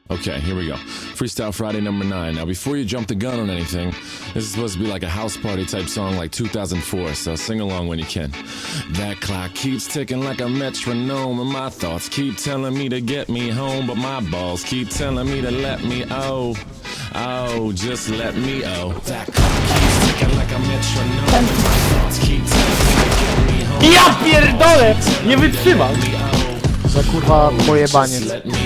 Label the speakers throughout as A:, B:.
A: Okay, here we go. Freestyle Friday number 9. Now, before you jump the gun on anything, this is supposed to be like a house party type song like 2004, so sing along when you can. That clock keeps ticking like a metronome, and my thoughts keep telling me to get me home, but my balls keep telling me to let me just let me That clock keeps ticking like a metronome, and my thoughts keep telling me to get me home.
B: Ja pierdolę! Nie wytrzymam!
C: Za kurwa pojebaniec.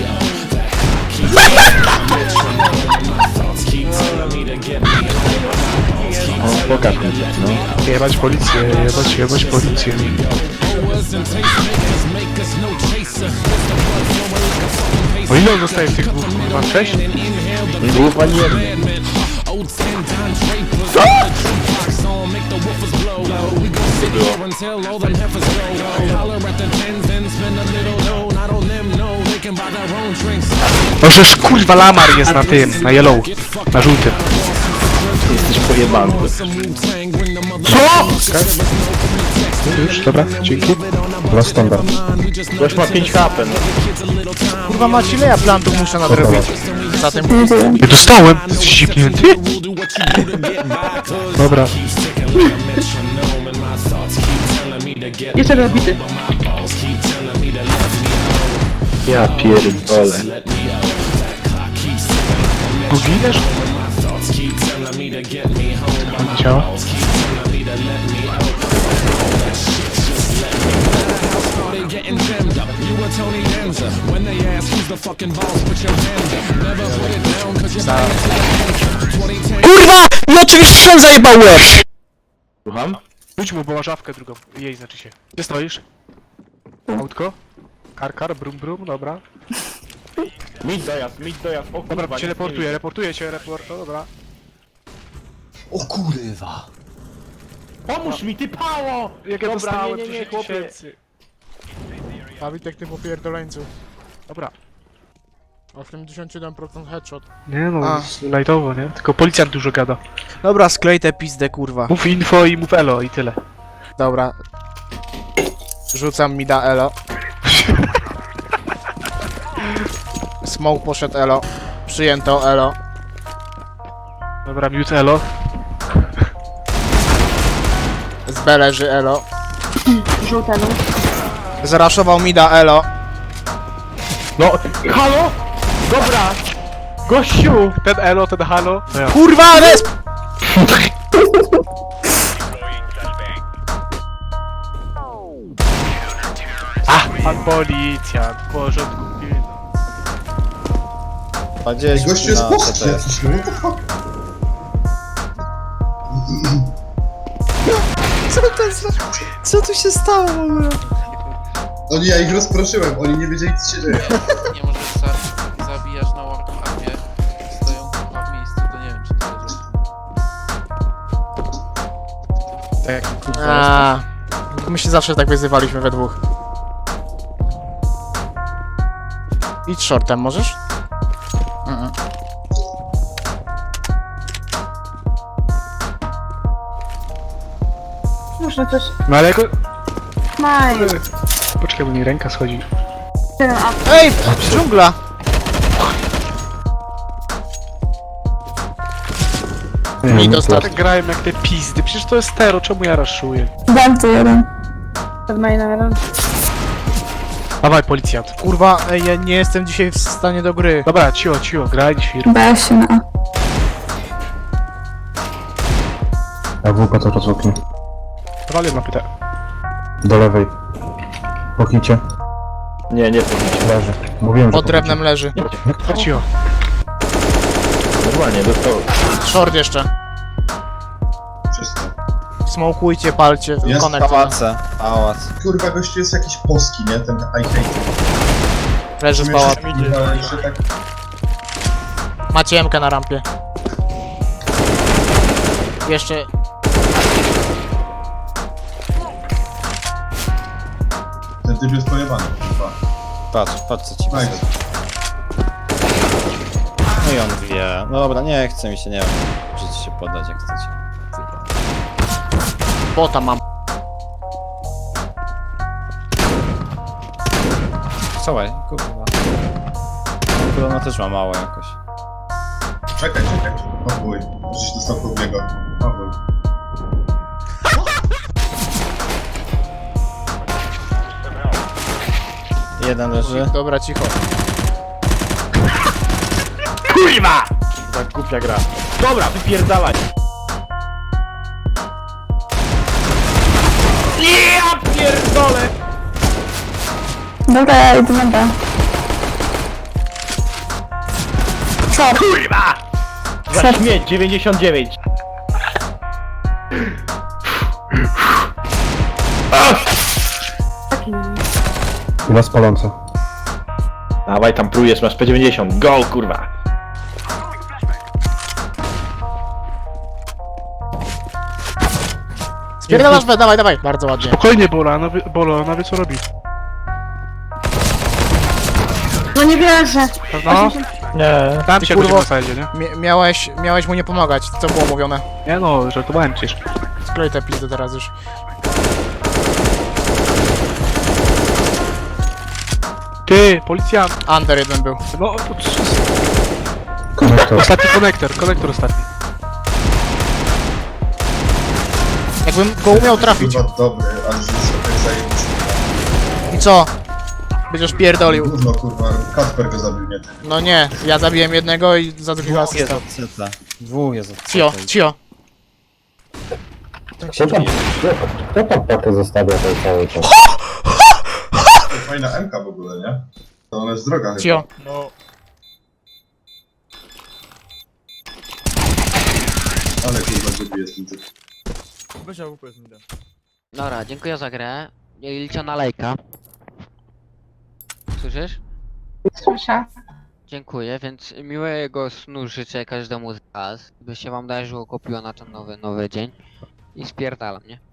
B: O, pokaż mi, no.
D: Jebać policję, jebać policję. O ile on dostaje tych dwóch? Chyba 6?
B: Głów ani jeden.
D: O, żeż kurwa lamar jest na tym, na yellow, na żółtym.
B: Jesteś pojebany.
D: Co? Już, dobra, dzięki.
B: Dla standard. Ktoś ma 5 HP, no.
C: Kurwa mać, ile ja plantów muszę nadrobić? Za tym
D: Ja dostałem! Jesteś zipnięty? Dobra.
E: Jeszcze rozbity.
B: Ja pierdolę.
D: Giniesz? Działa?
C: Kurwa! No oczywiście sam zajebał łeb!
B: Słucham?
D: Rzuć mu, bo ma żawkę drugą. Jej, znaczy się. Gdzie stoisz? Autko? Kar, brum brum, dobra.
B: Mid dojazd, o kurwa.
D: Dobra, cię reportuję cię, no dobra.
F: O kurwa!
B: Pomóż mi, ty pało!
D: Jak ja
B: Dobra,
D: dostałem
B: nie,
D: 10
B: chłopie.
D: tysięcy.
C: A Witek, ty popierdoleńcu.
D: Dobra.
C: 81% headshot.
D: Nie no,
C: A.
D: lightowo, nie? Tylko policjant dużo gada.
C: Dobra, sklej tę pizdę, kurwa.
D: Mów info i mów elo i tyle.
C: Dobra. Rzucam mi da elo. Smoke poszedł elo. Przyjęto elo.
D: Dobra, mute elo.
C: Z B leży elo.
E: Żółtemu.
C: Zaraszował mi da elo.
B: No, halo? Dobra! Gościu!
D: Ten elo, ten halo. No ja.
C: Kurwa, resp!
D: Pan policjant, w porządku.
F: Gościu jest polski jakiś, no what the fuck?
C: Co tu się stało w ogóle?
F: Ja ich rozproszyłem, oni nie wiedzieli co się dzieje.
G: Nie możesz zabijasz na warcraft'ie, stoją kurwa w miejscu, to nie wiem czy to jest.
C: Aaa. My się zawsze tak wyzywaliśmy we dwóch. Idź shortem, możesz?
E: Można coś.
D: No ale jako...
E: Maj.
D: Poczekaj, bo mi ręka schodzi.
E: Jeden up.
C: Ej! Dżungla! Mi dostał.
D: Tak grałem jak te pizdy, przecież to jest tero, czemu ja raszuję?
E: Dam to jeden. Przed mainem jeden.
D: Dawaj, policjant.
C: Kurwa, ej, ja nie jestem dzisiaj w stanie do gry.
D: Dobra, cicho, graj, świr.
E: B się na A.
H: A WP to rozłoknie.
D: Walię na pytę.
H: Do lewej. Pochnijcie.
B: Nie powinien.
H: Leży. Mówiłem, że
C: Pod drewnem leży.
D: Cicho.
B: Normalnie, dostał.
C: Short jeszcze.
F: Wszystko.
C: Smokujcie, palcie,
F: Jest
C: konektor.
G: Pałac.
F: Kurwa, gościu jest jakiś polski, nie? Ten I hate.
C: Leży z pałac.
F: Jeszcze tak...
C: Macie MK na rampie. Jeszcze...
F: Ten typ jest pojebany, kurwa.
G: Patrz co ci
F: Tak.
G: No i on wie. No dobra, nie chce mi się, nie wiem, możecie się poddać jak chcecie.
C: Bota mam.
G: Słuchaj, kurwa.
I: chyba ona też ma mało jakoś.
F: Czekaj. O chuj. Żeś dostał pod niego. O chuj.
I: Jeden leży.
C: Dobra, cicho.
B: Kurwa! Tak głupia gra. Dobra, wypierdalaj. Ja pierdolę!
E: Dobra, ja idę na B. Short.
B: Kurwa! Za śmieć, 99.
H: Chyba spalące.
B: Dawaj tam prujesz, masz P90. Go, kurwa!
C: Spierdalasz B, dawaj, dawaj. Bardzo ładnie.
D: Spokojnie, Bolo, ona wie co robi.
E: No nie wierzę.
D: No,
B: Nie.
D: tam
C: Ty
D: się
C: kurwo.
D: będzie na sajdzie, nie?
C: Miałeś mu nie pomagać. Co było mówione?
D: Nie no, żartowałem przecież.
C: Sklej te pizdy teraz już.
D: Ty, policjant!
C: Under jeden był.
D: No, to
H: Konektor.
D: ostatni konektor ostatni.
C: Jakbym go umiał trafić.
F: Kurwa dobry, ale że sobie zajebisty.
C: I co? Będziesz pierdolił.
F: Gówno kurwa, Kacper go zabił, nie ty.
C: No nie, ja zabiłem jednego i za drugiego
I: Dwóch jest
C: asysta.
I: od CT. Dwóch jest od CT.
C: Cio.
H: Kto tam pakę zostawia ten cały czas?
F: To fajna MK w ogóle, nie? To ona jest droga chyba.
C: Cio.
F: Ale kurwa głupi jest ten typ.
J: Dobra, dziękuję za grę. Liczę na lejka. Słyszysz?
E: Słyszę.
J: Dziękuję, więc miłego snu życzę każdemu z was. By się wam darzyło, kupiło na ten nowy dzień. I spierdalam, nie?